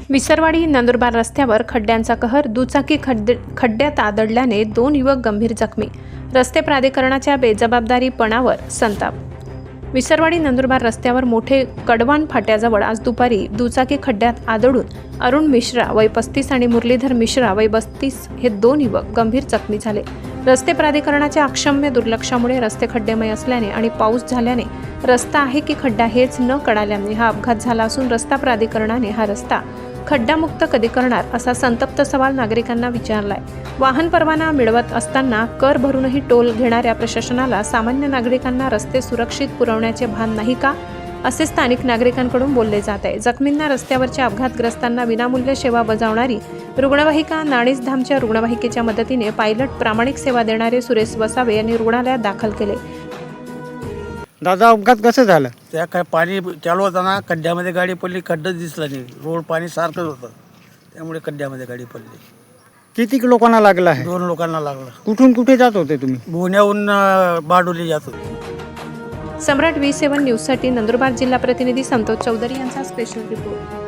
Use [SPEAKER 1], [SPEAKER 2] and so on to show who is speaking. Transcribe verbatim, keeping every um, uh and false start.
[SPEAKER 1] विसरवाडी नंदुरबार रस्त्यावर खड्ड्यांचा कहर. दुचाकी खड्डे खड्ड्यात आदळल्याने दोन युवक गंभीर जखमी. रस्ते प्राधिकरणाच्या बेजबाबदारीपणावर संताप. विसरवाडी नंदुरबार रस्त्यावर मोठे कडवान फाट्याजवळ आज दुपारी दुचाकी खड्ड्यात आदळून अरुण मिश्रा वय पस्तीस आणि मुरलीधर मिश्रा वय बत्तीस हे दोन युवक गंभीर जखमी झाले. रस्ते प्राधिकरणाच्या अक्षम्य दुर्लक्षामुळे रस्ते खड्डेमय असल्याने आणि पाऊस झाल्याने रस्ता आहे की खड्डा हेच न कळाल्याने हा अपघात झाला असून रस्ता प्राधिकरणाने हा रस्ता खड्डामुक्त कधी करणार असा संतप्त सवाल नागरिकांना विचारलाय. वाहन परवाना मिळवत असताना कर भरूनही टोल घेणाऱ्या प्रशासनाला सामान्य नागरिकांना रस्ते सुरक्षित पुरवण्याचे भान नाही का, असे स्थानिक नागरिकांकडून बोलले जात आहे. जखमींना रस्त्यावरच्या अपघातग्रस्तांना विनामूल्य सेवा बजावणारी रुग्णवाहिका नाणीसधामच्या रुग्णवाहिकेच्या मदतीने पायलट प्रामाणिक सेवा देणारे सुरेश वसावे यांनी रुग्णालयात दाखल केले.
[SPEAKER 2] दादा, अपघात कसं झालं?
[SPEAKER 3] त्या काय पाणी चालू होताना खड्ड्यामध्ये गाडी पडली. खड्डच दिसला नाही, रोड पाणी सारखंच होतं, त्यामुळे खड्ड्यामध्ये गाडी पडली.
[SPEAKER 2] किती लोकांना लागलं आहे?
[SPEAKER 3] दोन लोकांना लागलं.
[SPEAKER 2] कुठून कुठे जात होते तुम्ही?
[SPEAKER 3] पुण्याहून बारडोली जात होते.
[SPEAKER 1] सम्राट व्ही सेवन न्यूजसाठी नंदुरबार जिल्हा प्रतिनिधी संतोष चौधरी यांचा स्पेशल रिपोर्ट.